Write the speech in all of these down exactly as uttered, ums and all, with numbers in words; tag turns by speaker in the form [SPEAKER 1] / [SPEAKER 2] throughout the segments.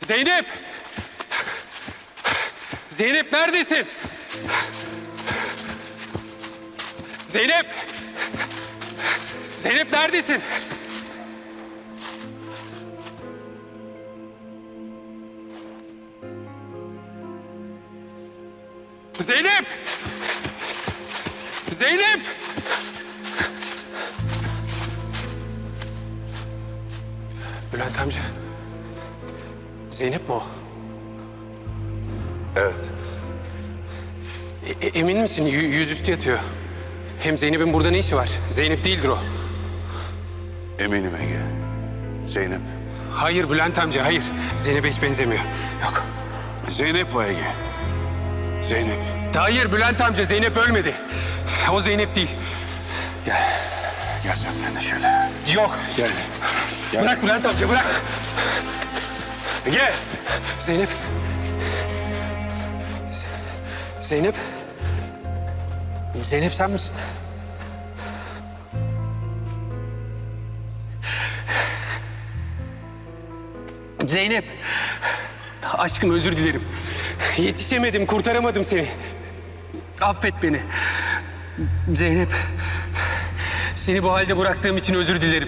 [SPEAKER 1] Zeynep! Zeynep neredesin? Zeynep! Zeynep neredesin? Zeynep! Zeynep! Bülent amca. Zeynep mi o?
[SPEAKER 2] Evet.
[SPEAKER 1] E- e- emin misin? Y- yüzüstü yatıyor. Hem Zeynep'in burada ne işi var? Zeynep değildir o.
[SPEAKER 2] Eminim Ege. Zeynep.
[SPEAKER 1] Hayır Bülent amca, hayır. Zeynep'e hiç benzemiyor. Yok.
[SPEAKER 2] Zeynep o Ege. Zeynep.
[SPEAKER 1] Hayır Bülent amca, Zeynep ölmedi. O Zeynep değil.
[SPEAKER 2] Gel. Gel sen benimle şöyle.
[SPEAKER 1] Yok.
[SPEAKER 2] Gel. Gel.
[SPEAKER 1] Bırak Bülent amca, bırak. Ege. Zeynep. Z- Zeynep. Zeynep sen misin? Zeynep. Aşkım özür dilerim. Yetişemedim, kurtaramadım seni. Affet beni. Zeynep. Seni bu halde bıraktığım için özür dilerim.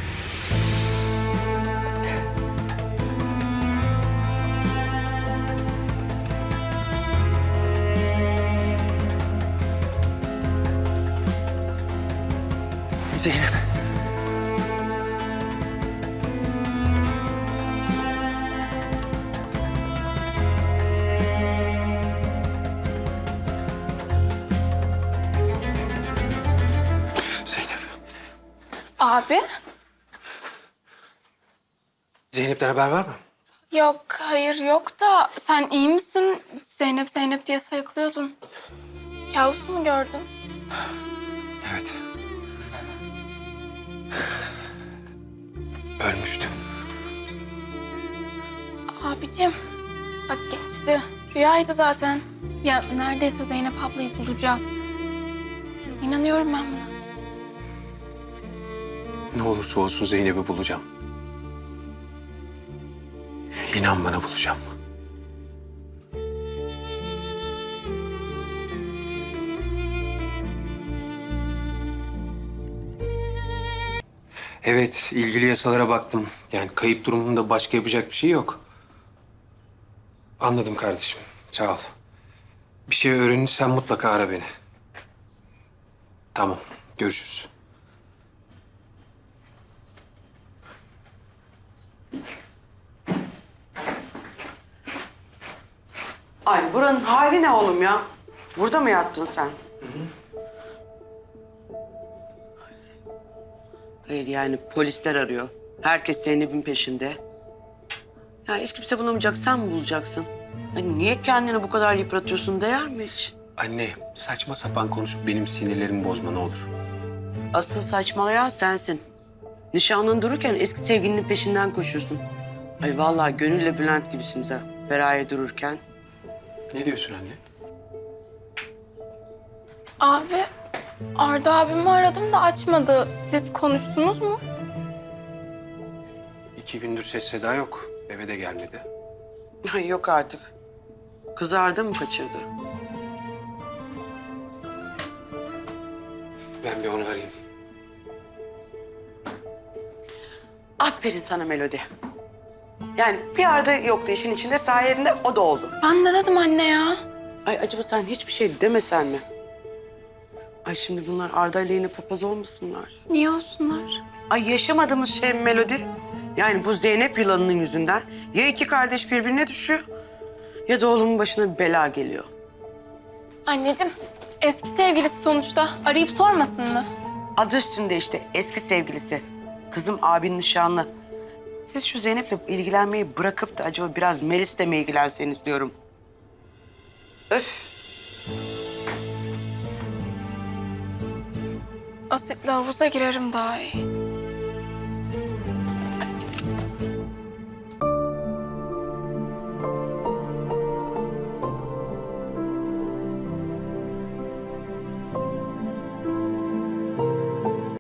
[SPEAKER 1] Zeynep. Zeynep.
[SPEAKER 3] Abi?
[SPEAKER 1] Zeynep'ten haber var mı?
[SPEAKER 3] Yok, hayır yok da sen iyi misin? Zeynep Zeynep diye sayıklıyordun. Kabus mu gördün?
[SPEAKER 1] Evet. Ölmüştü.
[SPEAKER 3] Abicim, bak geçti. Rüyaydı zaten. Ya neredeyse Zeynep ablayı bulacağız. İnanıyorum ben buna.
[SPEAKER 1] Ne olursa olsun Zeynep'i bulacağım. İnan bana bulacağım. Evet, ilgili yasalara baktım. Yani kayıp durumunda başka yapacak bir şey yok. Anladım kardeşim. Sağ ol. Bir şey öğrenirsen mutlaka ara beni. Tamam, görüşürüz.
[SPEAKER 4] Ay buranın hali ne oğlum ya? Burada mı yattın sen? Hayır yani polisler arıyor. Herkes Zeynep'in peşinde. Ya hiç kimse bulamayacak, sen mi bulacaksın? Ay niye kendini bu kadar yıpratıyorsun, değer mi hiç?
[SPEAKER 1] Anne, saçma sapan konuşup benim sinirlerimi bozma ne olur.
[SPEAKER 4] Asıl saçmalayan sensin. Nişanlın dururken eski sevgilinin peşinden koşuyorsun. Ay vallahi Gönül'le Bülent gibisiniz ha. Feraye dururken.
[SPEAKER 1] Ne diyorsun anne?
[SPEAKER 3] Abi, Arda abimi aradım da açmadı. Siz konuştunuz mu?
[SPEAKER 1] İki gündür ses seda yok. Eve de gelmedi.
[SPEAKER 4] Ay yok artık. Kızardı mı kaçırdı?
[SPEAKER 1] Ben bir onu arayayım.
[SPEAKER 4] Aferin sana Melodi. Yani bir arada yoktu işin içinde, sayende o da oldu.
[SPEAKER 3] Ben de dedim anne ya.
[SPEAKER 4] Ay acaba sen hiçbir şey demesen mi? Ay şimdi bunlar Arda ile yine papaz olmasınlar.
[SPEAKER 3] Niye olsunlar?
[SPEAKER 4] Ay yaşamadığımız şey Melodi. Yani bu Zeynep yılanının yüzünden ya iki kardeş birbirine düşüyor ya da oğlumun başına bir bela geliyor.
[SPEAKER 3] Anneciğim, eski sevgilisi sonuçta. Arayıp sormasın mı?
[SPEAKER 4] Adı üstünde işte eski sevgilisi. Kızım abinin nişanlı. Siz şu Zeynep'le ilgilenmeyi bırakıp da acaba biraz Melis'le mi ilgilenseniz diyorum. Öf.
[SPEAKER 3] Asitle havuza girerim daha iyi.